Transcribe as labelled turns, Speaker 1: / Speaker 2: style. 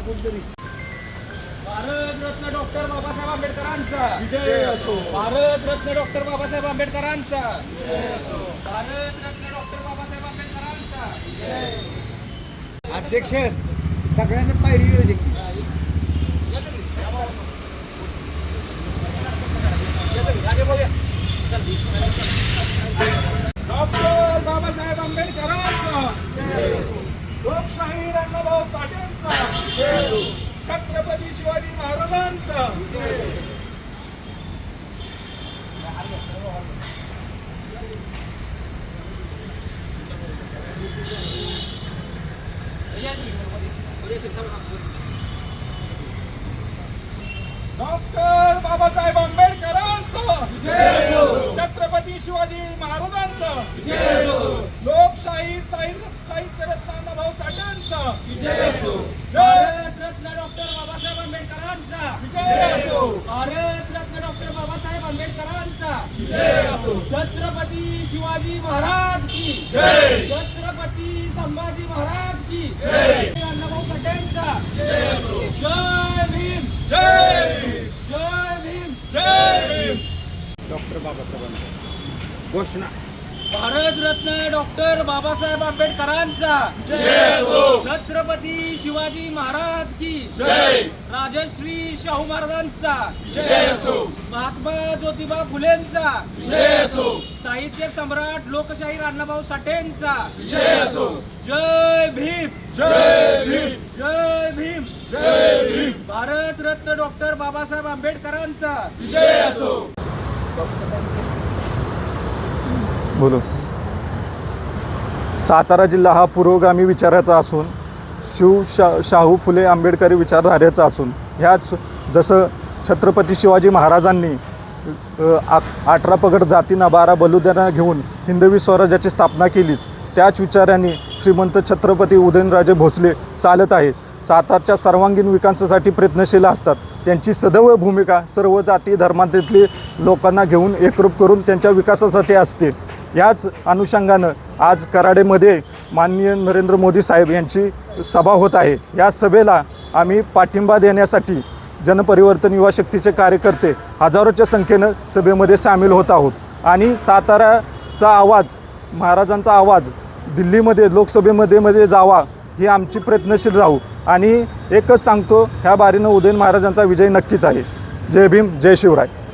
Speaker 1: Bharat Ratna doctor Babasaheb आंबेडकरांचा विजय असो. भारतरत्न डॉक्टर बाबासाहेब आंबेडकरांचा विजय असो. भारतरत्न डॉक्टर बाबासाहेब आंबेडकरांचा विजय.
Speaker 2: अध्यक्ष सगळ्यांना पायरी येऊ दे.
Speaker 1: डॉक्टर बाबासाहेब आंबेडकरांचा लोकशाही अण्णाभाऊ साठेंचा छत्रपती शिवाजी महाराजांचा डॉक्टर बाबासाहेब आंबेडकरांचा छत्रपती शिवाजी महाराजांचा लोकशाही साहित्य रत्न अण्णाभाऊ साठेंचा भारतरत्न डॉक्टर बाबासाहेब आंबेडकरांचा भारतरत्न डॉक्टर बाबासाहेब आंबेडकरांचा छत्रपती शिवाजी महाराज की छत्रपती संभाजी महाराज की अण्णाभाऊ साठेंचा जय भीम जय भीम जय भीम जय भीम.
Speaker 2: डॉक्टर बाबासाहेबांचा घोषणा.
Speaker 1: भारतरत्न डॉक्टर बाबासाहेब आंबेडकरांचा छत्रपती शिवाजी महाराज की राजश्री शाहू महाराजांचा महात्मा ज्योतिबा फुलेंचा साहित्य सम्राट लोकशाही अण्णाभाऊ साठेंचा जय भीम जय भीम जय भीम जय भीम. भारतरत्न डॉक्टर बाबासाहेब आंबेडकरांचा विजय असो.
Speaker 3: बोलो. सातारा जिल्हा हा पुरोगामी विचाराचा असून शाहू फुले आंबेडकरी विचारधारेचा असून ह्याच जसं छत्रपती शिवाजी महाराजांनी 18 पगड जातींना 12 बलुद्यांना घेऊन हिंदवी स्वराज्याची स्थापना केलीच त्याच विचारांनी श्रीमंत छत्रपती उदयनराजे भोसले चालत आहेत. सातारच्या सर्वांगीण विकासासाठी प्रयत्नशील असतात. त्यांची सदैव भूमिका सर्व जाती धर्मांतली लोकांना घेऊन एकरूप करून त्यांच्या विकासासाठी असते. याच अनुषंगानं आज कराडेमध्ये माननीय नरेंद्र मोदी साहेब यांची सभा होत आहे. या सभेला आम्ही पाठिंबा देण्यासाठी जनपरिवर्तन युवा शक्तीचे कार्यकर्ते हजारोच्या संख्येनं सभेमध्ये सामील होत आहोत. आणि साताराचा आवाज महाराजांचा आवाज दिल्लीमध्ये लोकसभेमध्ये जावा ही आमची प्रयत्नशील राहू. आणि एकच सांगतो, ह्या बारीनं उदयन महाराजांचा विजय नक्कीच आहे. जय भीम जय शिवराय.